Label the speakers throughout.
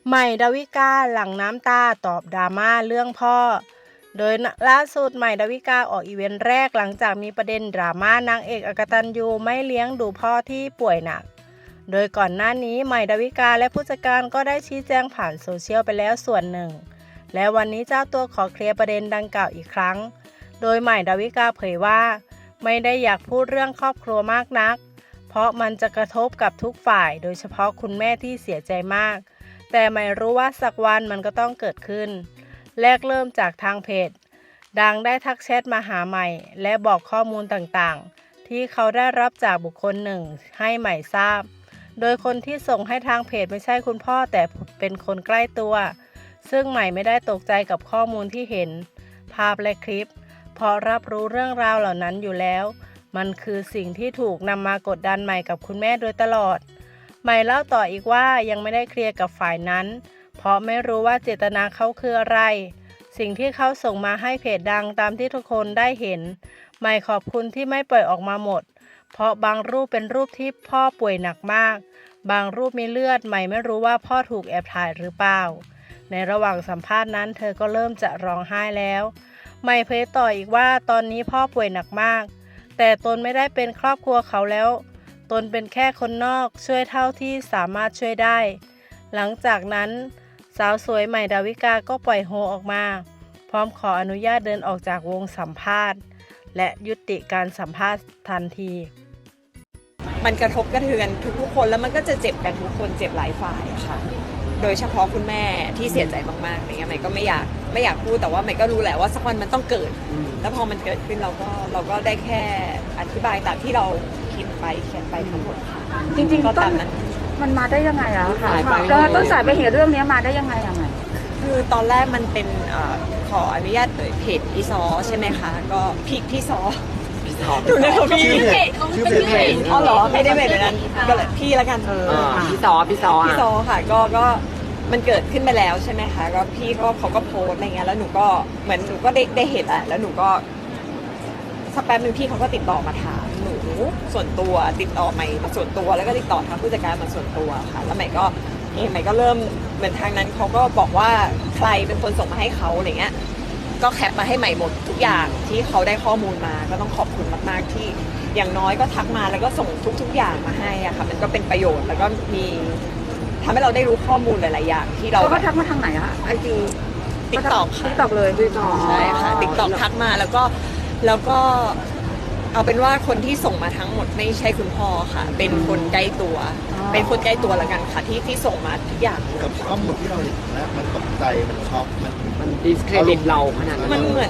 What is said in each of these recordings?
Speaker 1: ใหม่ดาวิกาหลั่งน้ำตาตอบดราม่าเรื่องพ่อ โดยล่าสุดใหม่ดาวิกาออกอีเวนต์แรกหลังจากมีประเด็นดราม่านางเอกอกตัญญูไม่เลี้ยงดูพ่อที่ป่วยหนัก โดยก่อนหน้านี้ใหม่ดาวิกาและผู้จัดการก็ได้ชี้แจงผ่านโซเชียลไปแล้วส่วนหนึ่ง และวันนี้เจ้าตัวขอเคลียร์ประเด็นดังกล่าวอีกครั้ง โดยใหม่ดาวิกาเผยว่าไม่ได้อยากพูดเรื่องครอบครัวมากนัก เพราะมันจะกระทบกับทุกฝ่ายโดยเฉพาะคุณแม่ที่เสียใจมากแต่ไม่รู้ว่าสักวันมันก็ต้องเกิดขึ้นแรกเริ่มจากทางเพจดังได้ทักแชทมาหาใหม่และบอกข้อมูลต่างๆที่เขาได้รับจากบุคคลหนึ่งให้ใหม่ทราบโดยคนที่ส่งให้ทางเพจไม่ใช่คุณพ่อแต่เป็นคนใกล้ตัวซึ่งใหม่ไม่ได้ตกใจกับข้อมูลที่เห็นภาพและคลิปเพราะรับรู้เรื่องราวเหล่านั้นอยู่แล้วมันคือสิ่งที่ถูกนำมากดดันใหม่กับคุณแม่โดยตลอดใหม่เล่าต่ออีกว่ายังไม่ได้เคลียร์กับฝ่ายนั้นเพราะไม่รู้ว่าเจตนาเขาคืออะไรสิ่งที่เขาส่งมาให้เพจดังตามที่ทุกคนได้เห็นใหม่ขอบคุณที่ไม่ปล่อยออกมาหมดเพราะบางรูปเป็นรูปที่พ่อป่วยหนักมากบางรูปมีเลือดใหม่ไม่รู้ว่าพ่อถูกแอบถ่ายหรือเปล่าในระหว่างสัมภาษณ์นั้นเธอก็เริ่มจะร้องไห้แล้วใหม่เผยต่ออีกว่าตอนนี้พ่อป่วยหนักมากแต่ตนไม่ได้เป็นครอบครัวเขาแล้วตนเป็นแค่คนนอกช่วยเท่าที่สามารถช่วยได้หลังจากนั้นสาวสวยใหม่ดาวิกาก็ปล่อยโฮออกมาพร้อมขออนุญาตเดินออกจากวงสัมภาษณ์และยุติการสัมภาษณ์ทันที
Speaker 2: มันกระทบกระเทือนทุกๆคนแล้วมันก็จะเจ็บกันทุกคนเจ็บหลายฝ่ายอะค่ะโดยเฉพาะคุณแม่ที่เสียใจมากๆอะไรเงี้ยใหม่ก็ไม่อยากพูดแต่ว่าใหม่ก็รู้แหละว่าสักวันมันต้องเกิดแล้วพอมันเกิดขึ้นเราก็ได้แค่อธิบายตามที่เราคิดไปเขียนไปทั้งหมดค่ะ
Speaker 3: จริงๆ
Speaker 2: ก็
Speaker 3: ต้น
Speaker 2: ตามนั้น
Speaker 3: มันมาได้ยังไงอะค่ะก็ต้นสายไปเหตุเรื่องนี้มาได้ยังไงอะใหม่
Speaker 2: คือตอนแรกมันเป็นขออนุญาตโดยเพจอีซอใช่ไหมคะก็พี่ซอดูในเขาพี่
Speaker 4: ชื่อเพจ
Speaker 2: อ๋อเหรอไม่ได้เป็นแบบนั้นก็เลยพี่แล้วกัน
Speaker 4: พี่ซอ
Speaker 2: ค่ะก็มันเกิดขึ้นไปแล้วใช่ไหมคะก็พี่ก็เขาก็โพสอะไรเงี้ยแล้วหนูก็เหมือนหนูก็ได้เห็นแหละแล้วหนูก็สักแป๊บนึงพี่เขาก็ติดต่อมาถามหนูส่วนตัวติดต่อใหม่มาส่วนตัวแล้วก็ติดต่อทางผู้จัดการมาส่วนตัวค่ะแล้วใหม่ก็เริ่มเหมือนทางนั้นเขาก็บอกว่าใครเป็นคนส่งมาให้เขาอะไรเงี้ยก็แคปมาให้ใหม่หมดทุกอย่างที่เขาได้ข้อมูลมาก็ต้องขอบคุณมากๆที่อย่างน้อยก็ทักมาแล้วก็ส่งทุกอย่างมาให้อะค่ะมันก็เป็นประโยชน์แล้วก็มีทำให้เราได้รู้ข้อมูลหลายๆอย่างที่เรา
Speaker 3: ก็ทักมาทางไหนอะไอจี
Speaker 2: ติ๊กต็อกค่ะ
Speaker 3: ติ๊กต็อกเลย
Speaker 2: ใช่ค่ะติ๊กต็อกทักมาแล้วก็เอาเป็นว่าคนที่ส่งมาทั้งหมดไม่ใช่คุณพ่อค่ะเป็นคนใกล้ตัวเป็นคนใกล้ตัวละกันค่ะที่ส่งมาทุกอย่าง
Speaker 4: กับข้อมูลที่เราเห็นแล้วมันตกใจมันช็อก
Speaker 5: มันดิสเครดิตเราขนาดนั้น
Speaker 2: มันเหมือน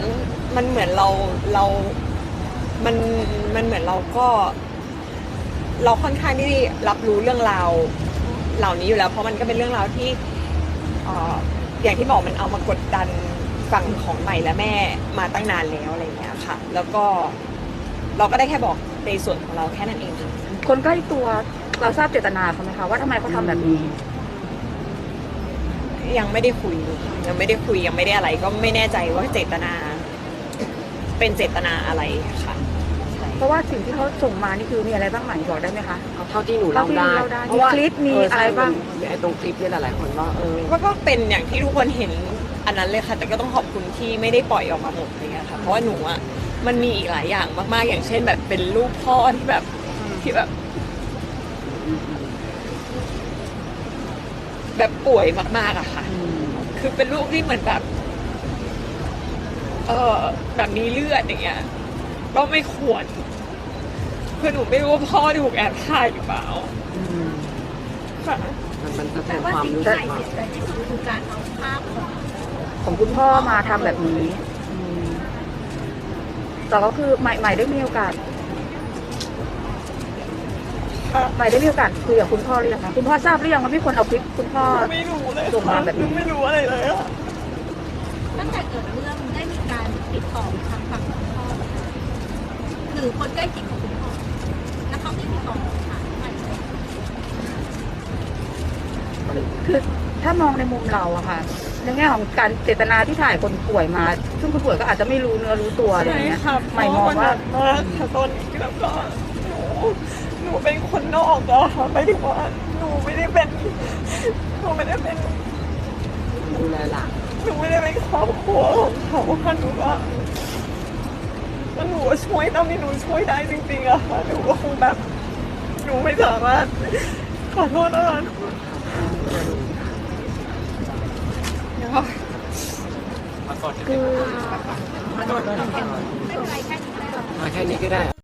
Speaker 2: เราก็เราค่อนข้างที่รับรู้เรื่องราวเหล่านี้อยู่แล้วเพราะมันก็เป็นเรื่องราวที่อย่างที่บอกมันเอามากดดันฝั่งของใหม่และแม่มาตั้งนานแล้วอะไรอย่างเงี้ยค่ะแล้วก็เราก็ได้แค่บอกในส่วนของเราแค่นั้นเองค่ะ
Speaker 3: คนใกล้ตัวเราทราบเจตนาเขาไหมคะว่าทำไมเขาทำแบบนี้
Speaker 2: ยังไม่ได้คุยยังไม่ได้อะไรก็ไม่แน่ใจว่าเจตนาเป็นเจตนาอะไรค่ะ
Speaker 3: เพราะว่าสิ่งที่เขาส่งมานี่คือมีอะไรบ้างไหมบอกได้ไหมคะ
Speaker 5: เท่าที่หนูเล่าได้
Speaker 3: มีคลิปมีอะไรบ้าง
Speaker 5: ไอ้ตรงคลิปเนี่ยหลายๆคน
Speaker 2: ก็เป็นอย่างที่ทุกคนเห็นอันนั้นเลยค่ะแต่ก็ต้องขอบคุณที่ไม่ได้ปล่อยออกมาหมดเลยค่ะเพราะว่าหนูอ่ะมันมีอีกหลายอย่างมากๆอย่างเช่นแบบเป็นรูปพ่อที่แบบป่วยมากๆอะค่ะคือเป็นรูปที่เหมือนแบบแบบมีเลือดอย่างเงี้ยก็ไม่ควรคือหนูไม่รู้ว่าพ่อถูกแอบถ่ายหรือเปล่าค่ะ
Speaker 5: มันแสดงความรู้สึกว่า
Speaker 3: ที่สุดคือการเอาภาพของคุณพ่อมาทำแบบนี้แต่ก็คือใหม่ได้มีโอกาสคุยกับคุณพ่อหรือยังคะคุณพ่อทราบหรือยังว่ามีคนเอาคลิปคุณพ่อ
Speaker 2: ไม่รู้เลย
Speaker 3: ส่งมาแบบนี้
Speaker 2: ไม่รู้อะไรเลยอะ
Speaker 6: ตั้งแต่เกิดเรื่องได้มีการติดต่อทางฝั่งคุณพ่อหรือคนใกล้ชิดของคุณพ่อแล้วเขาได้ติดต่อหาใหม่
Speaker 3: คือถ้ามองในมุมเราอะค่ะในแง่ของการเจตนาที่ถ่ายคนป่วยมาซึ่งคนป่วยก็อาจจะไม่รู้เนื้อรู้ตัวอะไรอย่างเงี้ย
Speaker 2: ใหม่มองว่าตอนนี้แล้วก็หนูเป็นคนนอกอะค่ะไม่ได้ว่าหนูไม่ได้เป็น
Speaker 5: เลยล่ะ
Speaker 2: หนูไม่ได้เป็นครอบครัวของเขาค่ะหนูว่าหนูช่วยเท่าที่หนูช่วยได้จริงๆอะค่ะหนูก็คงแบบหนูไม่สามารถขอโทษนะคะ
Speaker 6: ไม่เป็นไรแค่นี้ก็ได้
Speaker 5: มาแค่นี้ก็ได้